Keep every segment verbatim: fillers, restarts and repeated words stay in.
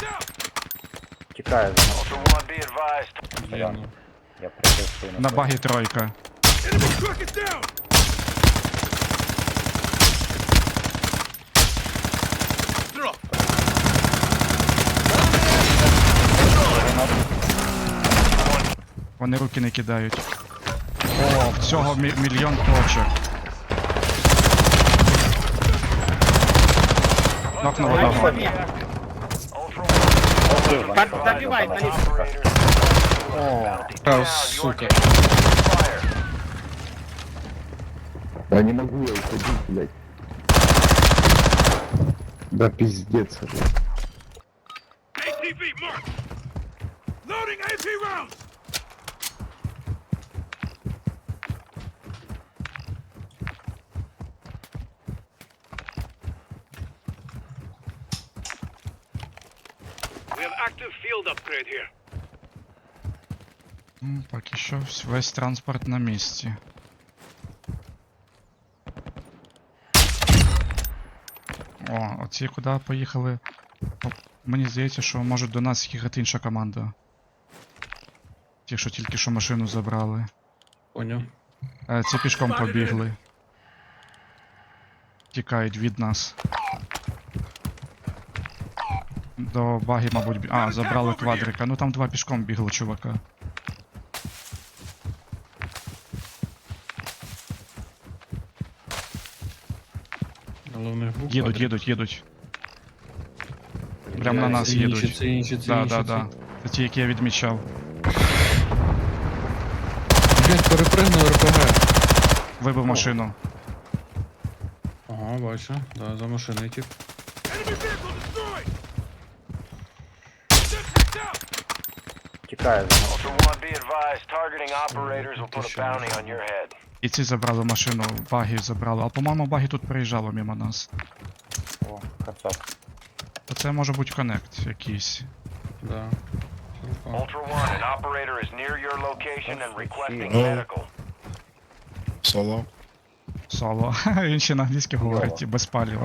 Тікаю за мною. Ultra One, be advised. Стоян. Я прикрив спину. На багі тройка. Вони руки не кидають. О, всього мі мільйон точок. Нокнув одного. Ultra One, Так, be добивай, advised. наліво. Operators А, down. сука. Fire. Да не могу я уходить, блядь. Да пиздец, блядь. М, Поки що всь- весь транспорт на місці. О, оці куди поїхали? О, мені здається, що може до нас їхати інша команда. Ті, що тільки що машину забрали. Поняв. Е, ці пішком побігли. Тікають від нас. До баги, мабуть, бі- а, забрали квадрика. Ну там два пішком бігли, чувака. Головний гук. Їдуть, їдуть, їдуть. Прям на нас Це інші, їдуть. Це інші, це Да, інші. да, це- да. Це ті, які я відмічав. Блять, перепригнув РПГ. Вибив машину. Ага, бачу. Да, за машиною тип. Тікаю за мною. Ultra One, be advised. Targeting operators will put a bounty on your head. І ці забрали машину, баги забрали. А по-моєму, баги тут приїжджало мимо нас. О, кацап. То це може бути коннект якийсь. Да. Чувака. Ultra One, an operator is near your location and requesting Oh. medical. Соло. Соло. Він ще на англійській говорить, і без паліва.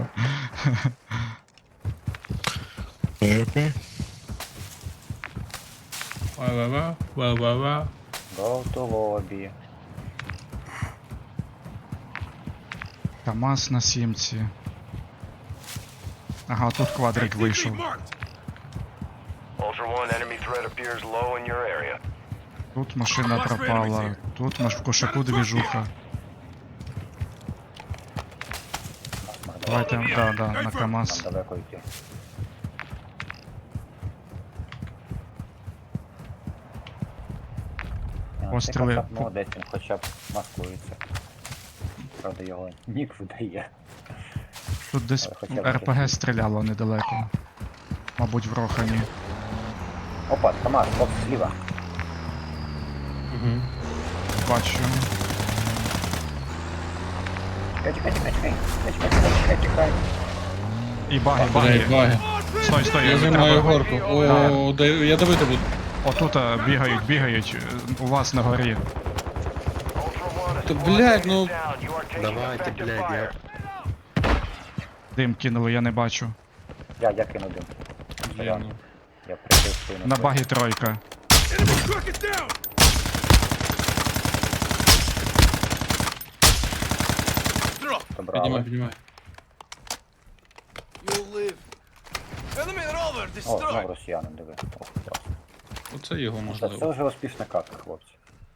ПРП. Ва-ва-ва, ва-ва-ва. Go to lobby. КамАЗ на сімці. Ага, тут квадрик вийшов. Ultra One, enemy threat appears low in your area. Тут машина пропала. Тут маш в кошаку двіжуха. Давайте, да, да, на Нам КамАЗ. далеко йти. А, Постріли. цей кацап молодець, він хоча б маскується. Правда, його нік видає. Тут десь Але хоча б РПГ щось. стріляло недалеко. Мабуть, в Рохані. Опа, КамАЗ, оп, зліва. Угу. Бачу. Чекай, чекай, чекай, чекай. Чекай, чекай, чекай, чекай. І баги, Блять, баги. баги. Стой, стой, Я я займаю треба. горку. О, да, я давити буду. Отут а, бігають, бігають. е, У вас на горі. Ultra One, a Та, squad блядь, mate ну- is down. You are taking Давайте, effective блядь, fire. Дим кинули, я не бачу. Я, я кину дим. Блін, ну. Я прикрив спину. На багі тройка. Добрали. Піднімай, піднімай. О, знову росіянин, диви. Ох, клас. Оце його Це, це можливо. вже успішна катка, хлопці.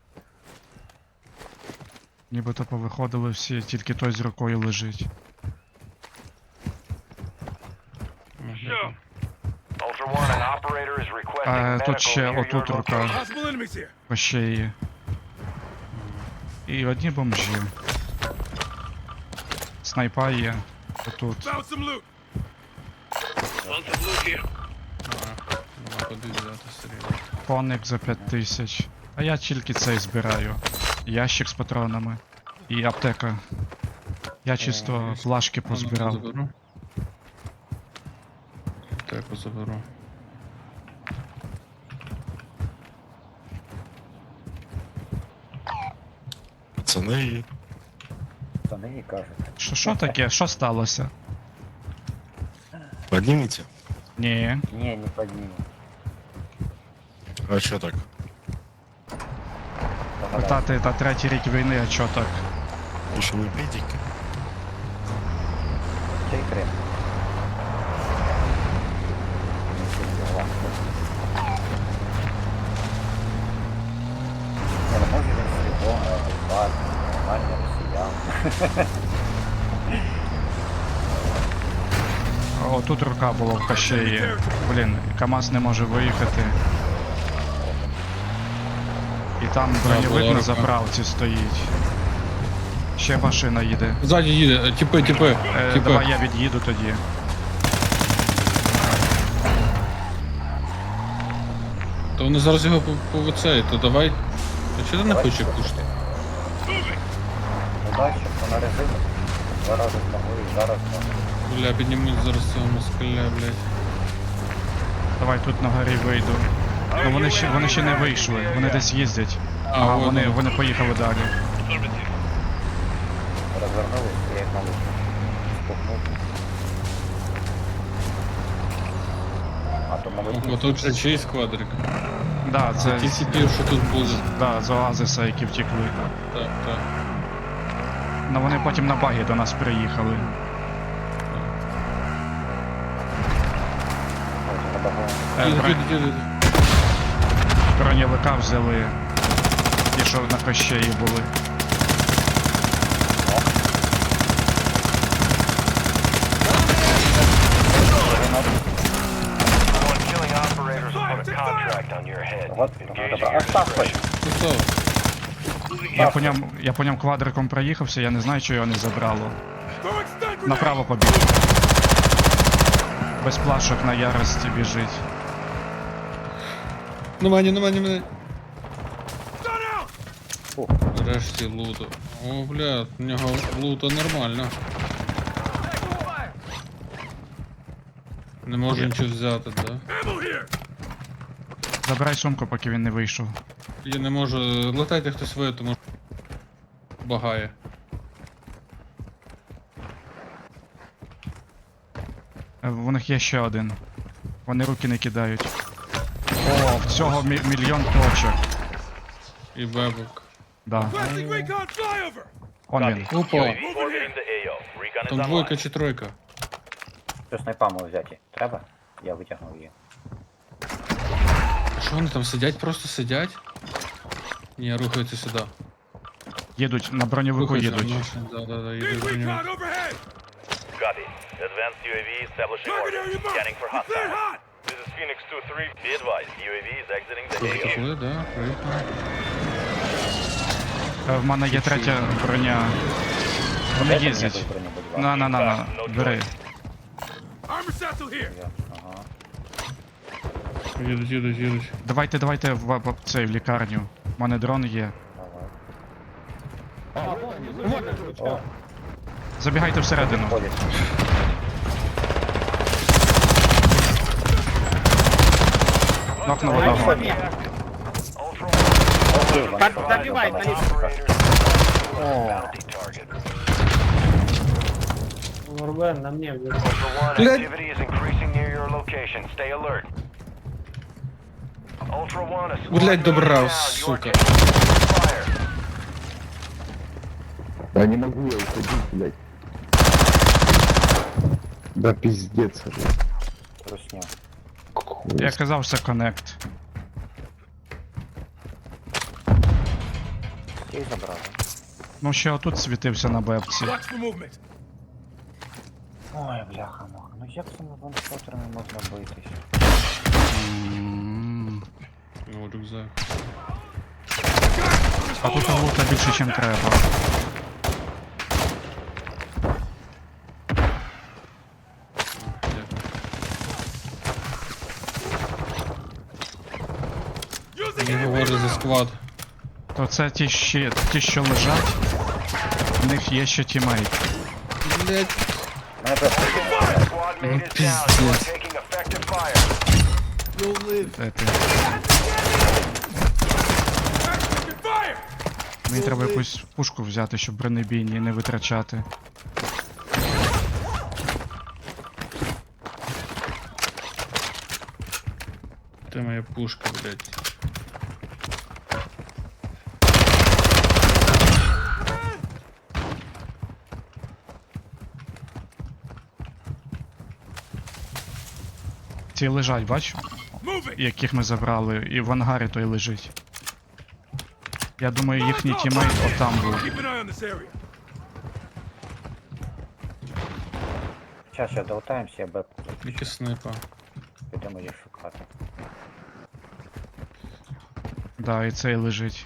Нібито повиходили всі, тільки той з рукою лежить. Можливо. Ultra One, an operator is requesting А medical тут ще near your отут рука. location. По шиї. І одні бомжі. Снайпа є. Отут. Нема куди взяти стріли. Коник за п'ять тисяч. А я тільки цей збираю. Ящик з патронами. І аптека. Я чисто флажки позбирав. Заберу. Теку заберу. Пацани. Це не кажуть. Що, що таке? Що сталося? Поднимите. Ні. Не, не поднимем. А чо так? Та ти та третій рік війни, а чо так? Ви що ви медики? Чей крем? Не, ну може він сліпо, а адекват, нормальний росіян. О, тут рука була в кащеї. Блін, КамАЗ не може виїхати. І там броньовик була на рука. заправці стоїть. Ще машина їде. Ззаді їде, е, тіпи, тіпи, Е, тіпи. давай я від'їду тоді. То вони зараз його по, по цей, то давай. Та чого ти не хочеш пушити? Удачі, що на резину. Два рази змогли і зараз змогли. Бля, піднімуть зараз цього москаля, блядь. Давай тут на горі вийду. Ну вони ще вони ще не вийшли, вони десь їздять. А, Ага, от вони, воно. вони поїхали далі. Розвернулись, я їх на лучше спухнув. А то могли Ого, тут вже чийсь квадрик. Да, Це це ті сіпів, що тут були. да, з Оазиса, які втекли. Так, так. Ну вони потім на багі до нас приїхали. Е, Їдуть, бро- їдуть, їдуть. Броньовика взяли. Ті, що на кощеї були. One killing operators will put a contract on your head. Вот, Engage добре. at your Остав хоч. discretion. Готово. Я по ньому, я по ньому квадриком проїхався, я не знаю, що його не забрало. Направо побіг. Без плашок на ярості біжить. На мені, на мені, на мені. Фу. Нарешті луту. О, бля, у нього лута нормально. Не можу нічого взяти, да? Забирай сумку, поки він не вийшов. Я не можу. Летайте хтось ви, тому що багає. Е, В них є ще один. Вони руки не кидають. О, в цього мі- мільйон точок. І бебок. Да. Он він. Опа, Orbiting the A O. Recon is там online. двойка чи тройка. Що снайпами взяти? Треба? Я витягнув її. А що вони там сидять, просто сидять? Ні, рухаються сюди. Їдуть, на броньовику Рухаються. їдуть. Машин, да, да, да, їдуть до нього. Copy. Advanced U A V establishing order. Scanning for hostiles. This is Phoenix two three. Be advised, U A V is exiting the A O. Пішли, да, приїхали. Е, В мене є третя броня. Вони Дайте мені їздять. якусь броню, будь ласка. На, на, на, на, бери. Я, ага. Їдуть, їдуть, їдуть. Давайте, давайте в, в, цей, в лікарню. У мене дрон є. О, Забігайте всередину. ходять. Нокнув одного. Ultra Окей, One. вони Advise погнали, operators погнали. bounty target. Рубен, на мне. Ultra One, Блядь. activity is increasing near your location. Stay alert. Ultra One, a squad Блядь, leader добрав, down. You are сука. taking fire. Да не могу я уходить, блядь. Да пиздец, блядь. Русня. Хуй. Я казав, це коннект. І забрали. Ну ще отут світився на бепці. Ой, бляха муха. Ну як цими ваншотерами можна битись? М. О, рюкзак. А тут лута більше, ніж треба. Не говори за сквад. То це ті, ще, ті, що лежать, в них є ще тімейт. Блядь. Мене просто Squad mate is down. You are пиздец. taking effective fire. Де ти? Мені треба якусь пушку взяти, щоб бронебійні не витрачати. Ти моя пушка, блядь. Ці лежать, бачу? Яких ми забрали, і в ангарі той лежить. Я думаю, їхній тімейт отам був. Щас, щас долутаємося, я б Тільки снайпа. підемо їх шукати. Да, і цей лежить.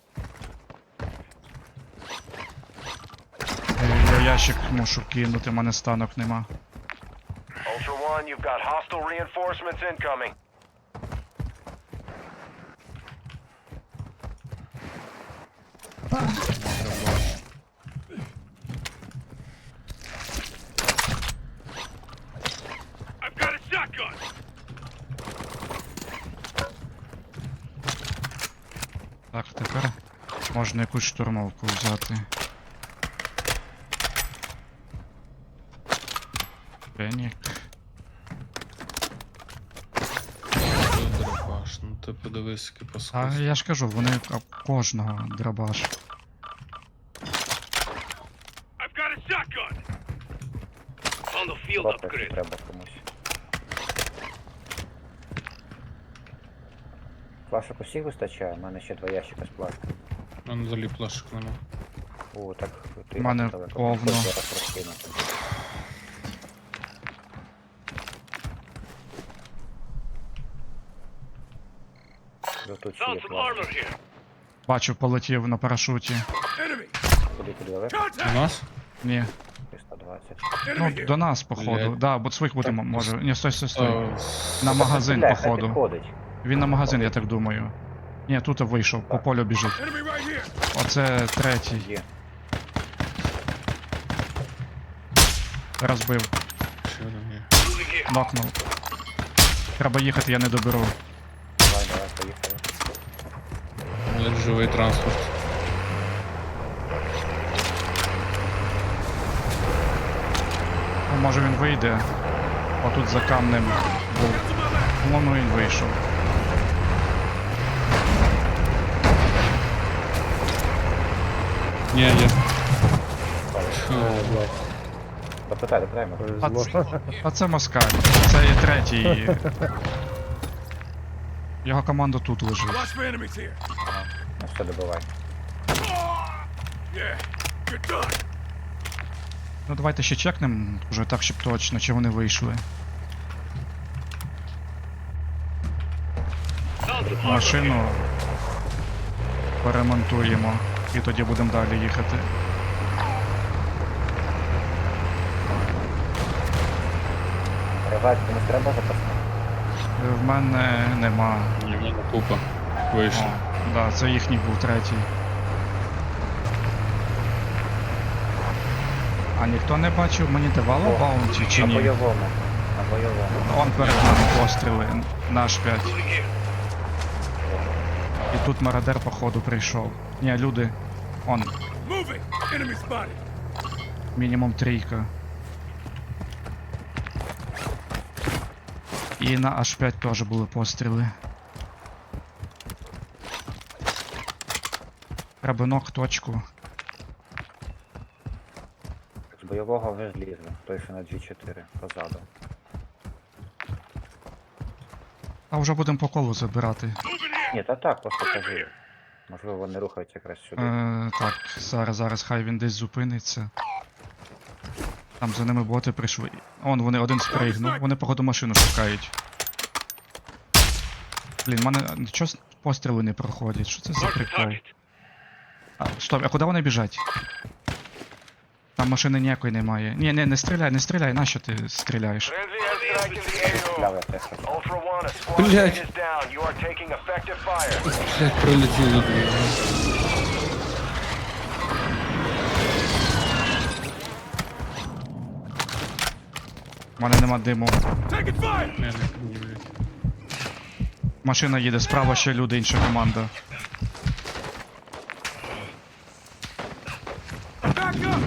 Е, Я ящик мушу кинути, в мене станок нема. Ultra One, you've got hostile reinforcements incoming. I've got a shotgun! Так, тепер можна якусь штурмовку взяти. Фенік. Це драбаш. Ну ти подивись, який А паскуд. я ж кажу, вони а, кожного драбаш. I've got a shotgun! On the field Хлопець upgrade. треба комусь. Плашок усіх вистачає, у мене ще два ящика з плашкою. У мене взагалі плашок нема. О, так ти У мене далеко. повно. Зараз розкину. Ну, тут ще є Found some плашки. armor here. Бачу, полетів на парашуті. Куди куди далеко? У нас? Ні. сто двадцять. Ну, до нас, походу. Блядь. Да, бо своїх буде, м- може. Ні, стой, стой, стой. О, На магазин, Стріляй, хай походу. підходить. Він на магазин, я так думаю. Ні, тут вийшов, по полю біжить. Оце третій. Є. Розбив. ще один є. Нокнув. Треба їхати, я не доберу. Давай, давай, поїхали. Блядь, живий транспорт. Ну, може він вийде. Отут за камнем був. По-моєму, він вийшов. Ні, є. Допитай, допитай, ми. А, ц- а це москаль. Це є третій. Його команда тут лежить. Watch for enemies here. Ну все, добивай. Yeah, you're done. Ну давайте ще чекнемо, вже так, щоб точно, чи вони вийшли. Found some armor. Машину поремонтуємо і тоді будемо далі їхати. Ревайт комусь треба запасти? В мене нема. Ні, в мене купа. Вийшло. О, да, це їхній був третій. А ніхто не бачив, мені давало О, баунті чи На ні? бойовому. На бойовому. Он перед нами постріли, наш п'ять. Moving here. І тут мародер походу прийшов. Ні, люди. Он, Moving. Enemy spotted. мінімум трійка. І на аш п'ять теж були постріли. Треба ног точку. З бойового вже злізли. Той, що на джі чотири, позаду. А вже будемо по колу забирати. Ні, та так, просто кажи. Можливо, вони рухаються якраз сюди. Е, так, зараз, зараз, хай він десь зупиниться. Там за ними боти прийшли. Он, вони один спригнув, вони походу машину шукають. Блін, в мене чого с- постріли не проходять? Що це за Mark the прикол? target. А, стоп, а куди вони біжать? Там машини ніякої немає. Ні, не, не стріляй, не стріляй, нащо ти стріляєш? Frenzy airstrike in the A O. Стріляли те, що. Ultra One, a squad Блядь. mate is down. You are taking effective fire. Блядь, прилетіло дві. У мене нема диму. Taking fire. Не, не, не, блядь. Машина їде, справа ще люди, інша команда. Back up.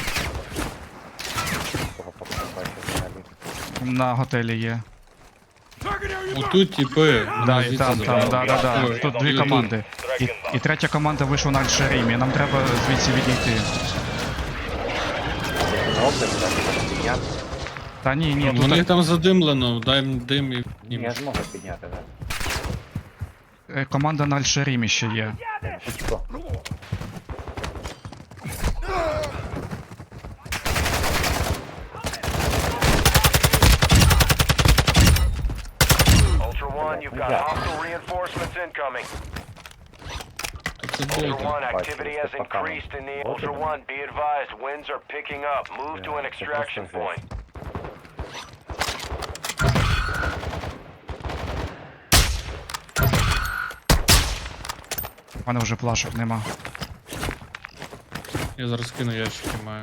Кого поки не бачу взагалі. На готелі є. Отут типи. Да, Мене і звідси там, там, забрали. да, да, да. Ой, Тут і дві отут. команди. І, і третя команда вийшла на Альшеримі. Нам треба звідси відійти. На область, так, підняти. Та ні, ні, Ну, тут у них там задимлено, дай їм дим і. Ні, я зможу підняти, так. е, команда на Альшеримі ще є. Пучко. Ultra One, you've got hostile reinforcements incoming. Це Ultra боти. One, activity has increased in the Ultra One. Be advised, winds are picking up. Move to an extraction point. У мене вже плашок нема. Я зараз кину ящики маю.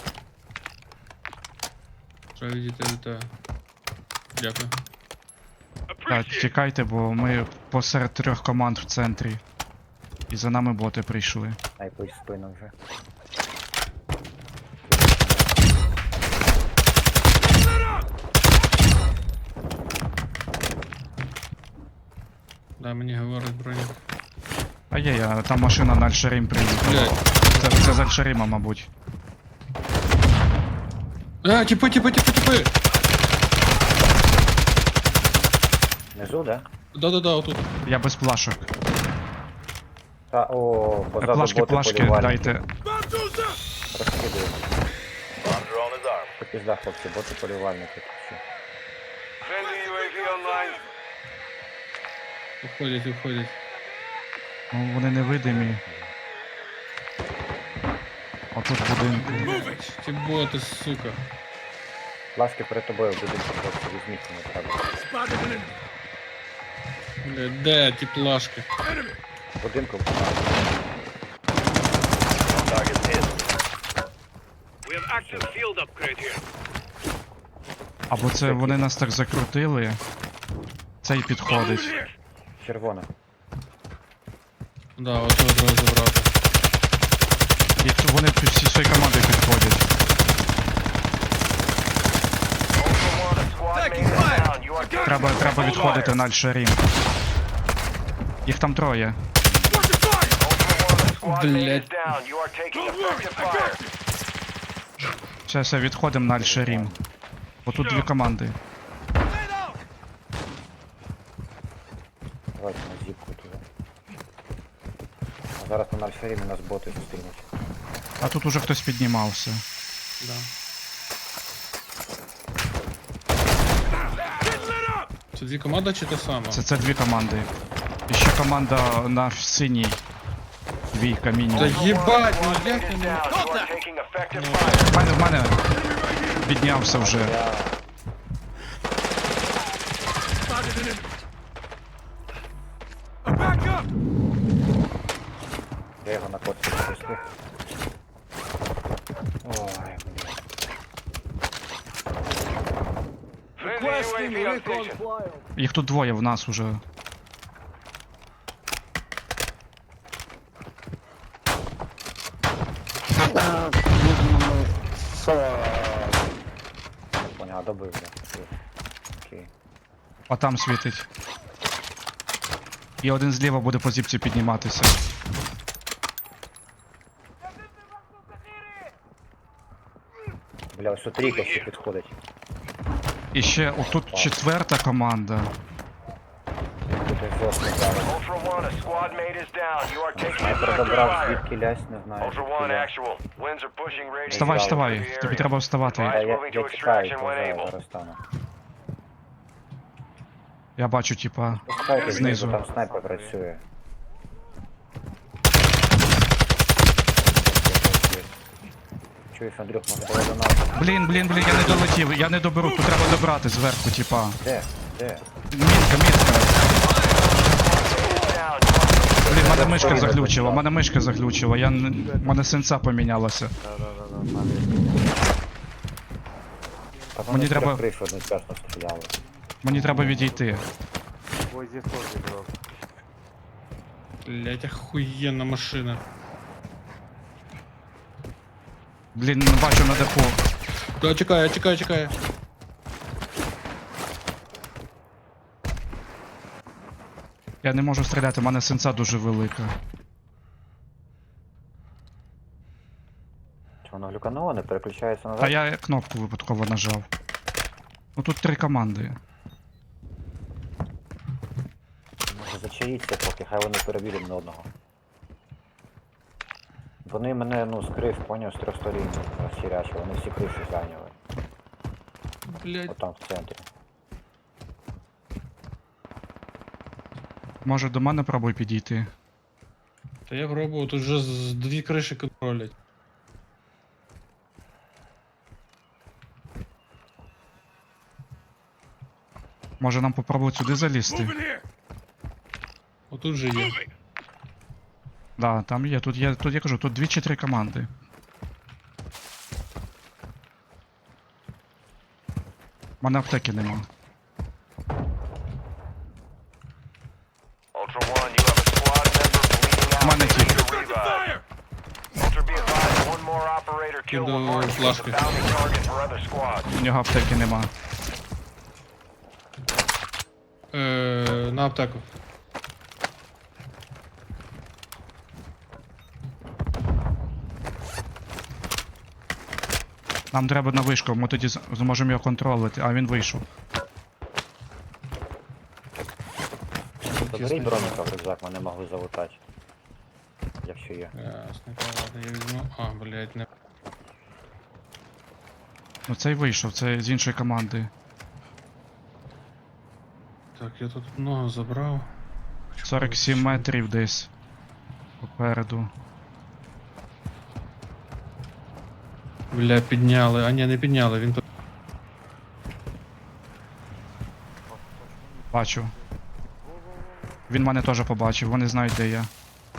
Треба відійти від тебе. Дякую. Так, тікайте, бо ми посеред трьох команд в центрі. І за нами боти прийшли. Найпуть в спину вже. Да, мені говорить бронік. А є, я, там машина на Альшерим приїхала. Блядь. Це, це з Альшерима, мабуть. А, типи, типи, типи, типи! Внизу, да? Да-да-да, отут. Я без плашок. Та, о, позаду Плашки, боти плашки, полювальники. дайте. Розкидую. Bomb drone is armed. Це пізда, хлопці, боти полювальники. тут всі. Friendly ю ей ві online. Уходять, уходять. Ну, вони невидимі. Отут в будинку. Ті боти, сука. Плашки перед тобою будуть, хлопці, візьміть, не треба. Блядь, де ті плашки? В будинку. Target hit. We have active field upgrade here. Або це вони нас так закрутили. Цей підходить. Червона. Да, от цього треба забрати. І тут вони під всі цієї команди підходять. Ultra One, a squad mate is down. You are taking Треба, треба effective відходити fire. на Альшерім. Їх там троє. Ultra One, a squad mate is Блядь. down. You are taking effective fire. Все, все, відходимо на Альшерім. Бо тут дві команди. Давайте на зіпку туди. А зараз на Альферімі нас боти зустрінуть. А тут уже хтось піднімався. Да. Це дві команди чи те саме? Це, це дві команди. І ще команда на синій. Двійка Та мінімум. їбать, ну Squad як mate я is не... down. You are taking effective fire. В мене, в мене піднявся вже. Я... Я його на коці запустив. Ой, блін. Friendly ю ей ві on station. Їх тут двоє в нас уже. Понял, добив, бля. Окей. А там світить. І один зліва буде по зіпці підніматися. Бля, ось тут трійка ще підходить. І ще отут четверта команда. Тут ось жорстко зараз. Ultra One, a squad mate is down. You are taking Я effective забрав fire. звідки лясь, не знаю. Ultra звідки One, лясь. actual. Winds are pushing radius. Вставай, Зразу. вставай. Тобі треба вставати. Я, я, Moving to я тікаю, extraction то when зараз, able. зараз стану. Я бачу, типа. Пускайте Знизу. знизу, там снайпер працює. Чуєш, Андрюх, може давай до нас. Блін, блін, блін, я не долетів. Я не доберу, тут треба добрати зверху, типа. Де? Де? Мітка, мітка. Down. You are Блін, мене мишка заглючила, мене мишка заглючила, я не... мене сенса помінялася. Та Мені вони треба- треба... Кришу одночасно стріляли. Мені треба відійти. Блять, охуєнна машина. Блін, не бачу на даху. Да, чекає, чекає, чекає. Я не можу стріляти, у мене сенса дуже велика. Чи воно глюкануло, не переключається назад? А я кнопку випадково нажав. Ну тут три команди. Може зачаїться поки, хай вони переб'ють на одного. Вони мене, ну, скрив, поняв, з трьох сторін розхірячили, вони всі криші зайняли. Блять, Отам в центрі. Може до мене пробуй підійти. та я пробував, тут вже з дві криші контролять. Може нам попробувати сюди залізти? Отут же є. Да, там є, тут є, тут я кажу, тут дві чи три команди. У мене аптеки нема. Ultra One, you have a squad member bleeding out. Money They kick. need to revive. Ultra, be advised, one more operator killed Кидаю will mark you as a флажки. bounty target for other squads. У нього аптеки нема. Е, на аптеку. Нам треба на вишку, ми тоді з- зможемо його контролити, а він вийшов. Заберіть броніка в рюкзак, мене могли залутати. Якщо є. Ясно, ладно, я візьму. А, блять, не. Ну цей вийшов, це з іншої команди. Так, я тут много забрав. Хочу сорок сім подивитися. метрів десь. Попереду. Бля, підняли. А ні, не підняли, він тут. Бачу. Він мене теж побачив, вони знають, де я.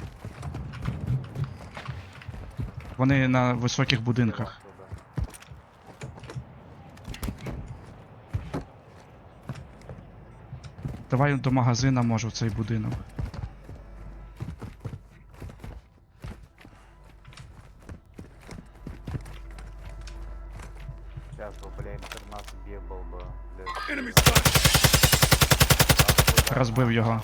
Вони на високих будинках. Давай до магазина, може, в цей будинок. Зараз, бо, бля, інтернат б'є болба. Розбив його.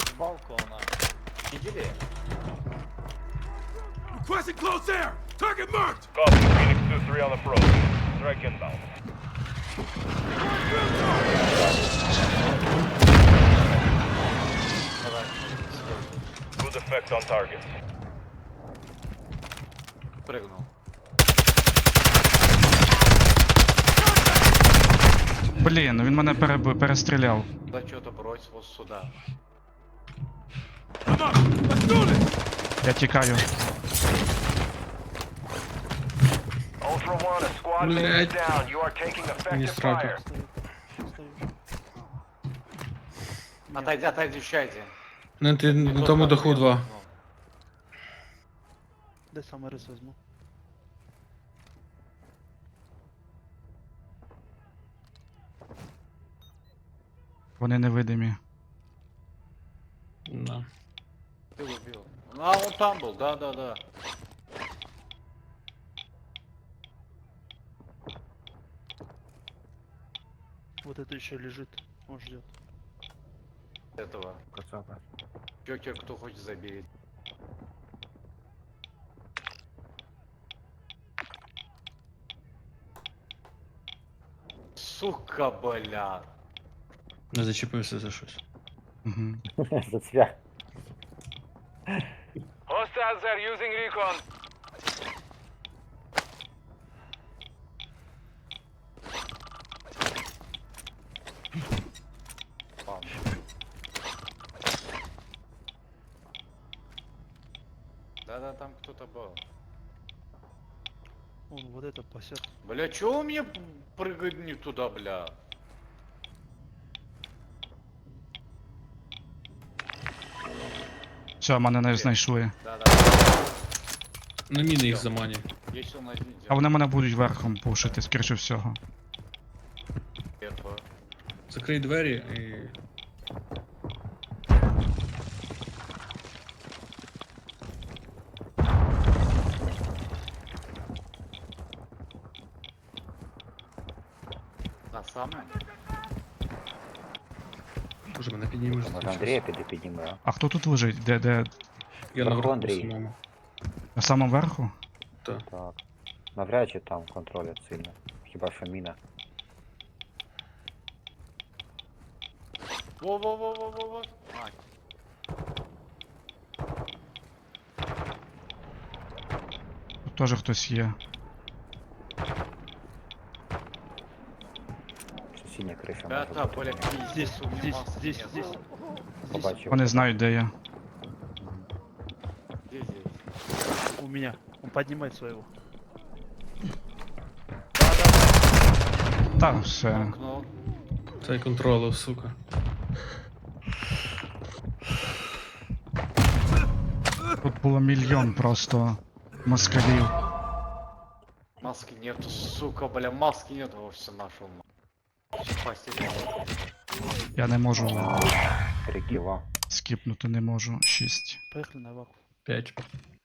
Requesting close air! Target marked! Copy, Phoenix two three on approach. Strike inbound. Good effect on target. Блін, він мене переб... перестріляв. Come on, let's do this! Я тікаю. Ultra One, a squad mate is Блядь. down. You are taking Не effective сраку. fire. Отойди, отойдите. Не, ти на тому даху два. Де саме рис візьму? Вони невидимі. Да. Ти убив. А, он там був, да, да, да. Вот это еще лежит, он ждет. Этого. Чё, кто хочет забить? Сука, бля. Не зачепився за щось. Угу. Зацвях. Hostiles are using recon. Да-да, там кто-то был. Он вот это пасет. Бля, чё у меня прыгать не туда, бля? Все, мене не знайшли. Да-да. На міни їх заманює. Есть он один. А вони мене будуть верхом пушити, скоріше всього. Этого. Закрий двері і. Та саме? Може мене піднімеш? Може Андрія піде підніме, а? А хто тут лежить? Де, де? Я Вверху, наверху Андрій. самому. На самому верху? Так. Так. Навряд чи там контролять сильно. Хіба що міна. Во-во-во-во-во-во. Тут теж хтось є. Сусідня криша може Да-да, бути. Поля, Здесь, здесь, здесь, здесь. Побачив. Вони знають, де я. Где здесь? У меня. Он поднимает своего. Та, все. Окно. Цей контролив, сука. Тут було мільйон просто москалів. Маски нету, сука, бля, маски нету, во все нашел. Спасибо. Я не можу Три кіла. скіпнути, не можу. Шість. Поехали на ваху. П'ять.